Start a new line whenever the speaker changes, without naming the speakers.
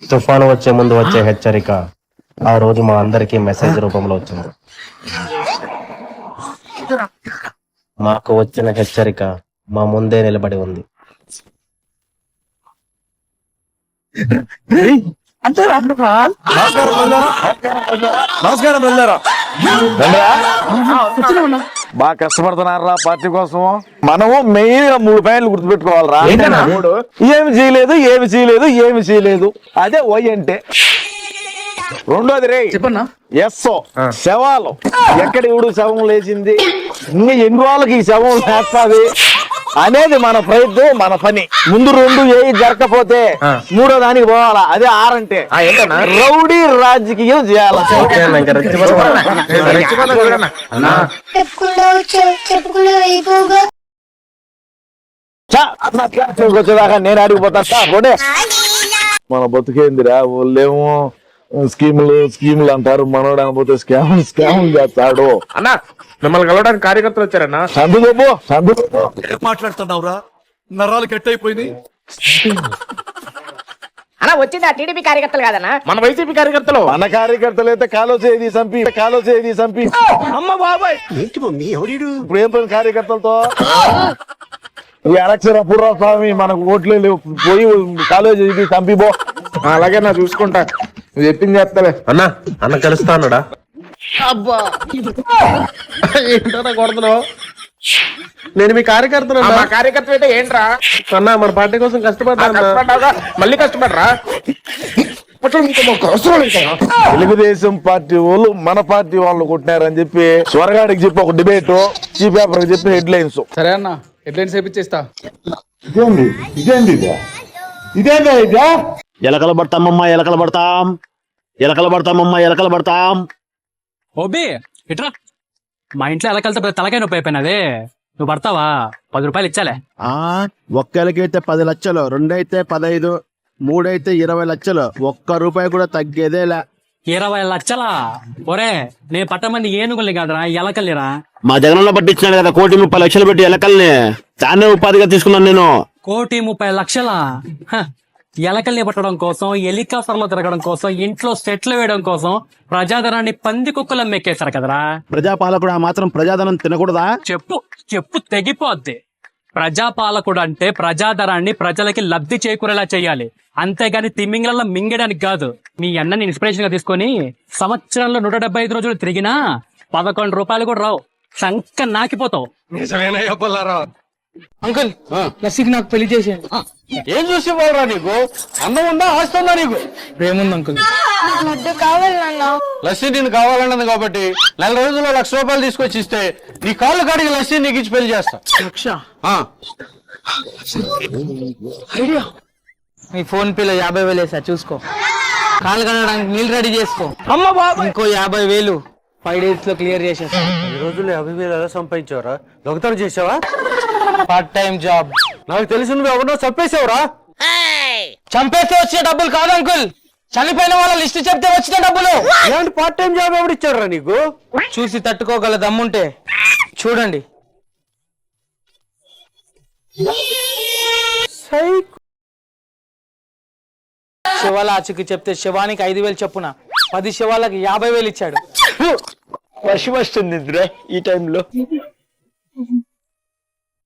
తుఫాను వచ్చే ముందు వచ్చే హెచ్చరిక ఆ రోజు మా అందరికీ మెసేజ్ రూపంలో వచ్చింది. మాకు వచ్చిన హెచ్చరిక మా ముందే నిలబడి ఉంది.
నమస్కారం బాగా కష్టపడుతున్నారా పార్టీ కోసం. మనము మెయిన్ గా 3 పాయింట్లు గుర్తుపెట్టుకోవాలరా. ఏమి చేయలేదు అదే వై అంటే. రెండోది రే
చెప్పన్నా
ఎస్ఓ శవాలు ఎక్కడ ఇవుడు శవం లేచింది, ఇంకా ఎన్ని వాళ్ళకి ఈ శవం లేస్తుంది అనేది మన ప్రయత్నం, మన పని. ముందు 2 ఏ జరగకపోతే 3వ దానికి పోవాలా. అదే ఆరంటే రౌడీ రాజకీయం చేయాలి. వచ్చేదాకా నేను అడిగిపోతా. మన బతుకేందిరా, వాళ్ళేమో స్కీములు అంటారు, మనోడు అనబోతే స్కాములు చేస్తాడు.
అన్నా మిమ్మల్ని కలవడానికి కార్యకర్తలు వచ్చారన్నా.
సందు
మాట్లాడుతున్నావురా, నరాలు కట్ అయిపోయింది.
అలా వచ్చింది ఆ టీడీపీ కార్యకర్తలు కాదన్నా,
మన వైసీపీ కార్యకర్తలు.
మన కార్యకర్తలు అయితే కాలో చేది చంపి
అమ్మ బాబాయ్
ఇప్పుడు ఏం పని కార్యకర్తలతో. ఈ ఎలక్షన్ అప్పుడు స్వామి మనకు ఓట్లు లేవు, పోయి కాలేజీ చంపిపో.
అలాగే నా చూసుకుంటా, నువ్వు చెప్పింది చేస్తాలే.
అన్న కలుస్తానుడా.
అబ్బా ఏంటో కొడుతున్నావు. నేను మీ కార్యకర్తను. మా కార్యకర్త అయితే ఏంట్రా అన్నా, మన పార్టీ కోసం కష్టపడ్డా, మళ్ళీ కష్టపడరా.
తెలుగుదేశం పార్టీ వాళ్ళు మన పార్టీ వాళ్ళు కొట్టినారని చెప్పి స్వరగాడికి చెప్పి ఒక డిబేట్, చీఫ్ పేపర్ చెప్పి హెడ్ లైన్స్.
సరే అన్న, హెడ్లైన్స్ వేపిచ్చేస్తా.
ఇదేందా
ఎలకలు పడతాం.
ఓబీ ఇట్రా, మా ఇంట్లో ఎలకలతో తలకాయ నొప్పి అయిపోయినదే. నువ్వు పడతావా? 10 రూపాయలు ఇచ్చాలే.
ఒక్కరికైతే 10 లక్షలు, 2 అయితే 15, 3 అయితే 20 లక్షలు. 1 రూపాయి కూడా తగ్గేదేలా.
20 లక్షలా? ఒరే నేను పట్టమంది ఏనుగుల్ని కాదురా, ఎలకల్లిరా.
మా జగనన్న పట్టించినాడు కదా 1,30,00,000 పెట్టి ఎలకల్ని, దాన్నే ఉపాధిగా తీసుకున్నాను నేను.
1,30,00,000? ఎలకల్ని పట్టడం కోసం, హెలికాప్టర్లో తిరగడం కోసం, ఇంట్లో సెట్లు వేయడం కోసం ప్రజాధనాన్ని పంది కుక్కలు మెక్కేశారు కదరా.
ప్రజాపాలకుడు ఆ మాత్రం ప్రజాధనం తినకూడదా?
చెప్పు తెగిపోద్ది. ప్రజాపాలకుడు అంటే ప్రజాధనాన్ని ప్రజలకి లబ్ధి చేకూరేలా చేయాలి, అంతేగాని తిమ్మింగ్లలో మింగడానికి కాదు. మీ అన్నని ఇన్స్పిరేషన్ గా తీసుకొని సంవత్సరంలో 175 రోజులు తిరిగినా 11 రూపాయలు కూడా రావు, సంక నాకిపోతావు.
అంకుల్ లస్సీకి నాకు పెళ్లి చేసేయండి.
ఏం చూసి పోరా, నీకు అన్నం ఉందా, ఆస్తుందా? నీకు
ప్రేముంది అంకుల్.
లస్సీ నేను కావాలన్నది కాబట్టి 4 రోజుల్లో 1,00,000 రూపాయలు తీసుకొచ్చి ఇస్తే నీ కాళ్ళు కాడికి లస్సీ నీకు ఇచ్చి పెళ్లి చేస్తా.
మీ ఫోన్ పేలో 50,000 వేసా, చూసుకో. కాలు కడగడానికి నీళ్ళు రెడీ చేసుకో.
అమ్మ బాబా,
ఇంకో 50,000 5 days లో క్లియర్ చేసేస్తా.
ఈ రోజుల్లో 50,000 ఎలా సంపాదించావరా? దొంగతనం చేసావా?
Part time job.
నాకు తెలిసి నువ్వు ఎవరినో చంపేసావురా.
చంపేస్తే వచ్చే డబ్బులు కాదు అంకుల్, చనిపోయిన వాళ్ళ లిస్ట్ చెప్తే వచ్చిన డబ్బులు.
ఇలాంటి పార్ట్ టైం జాబ్ ఎవరు ఇచ్చారా నీకు?
చూసి తట్టుకోగల దమ్ముంటే చూడండి. శివాల ఆచూకి చెప్తే శివానికి 5,000 చొప్పున 10 శివాలకు 50,000 ఇచ్చాడు.
వర్షం వస్తుంది ఈ టైంలో.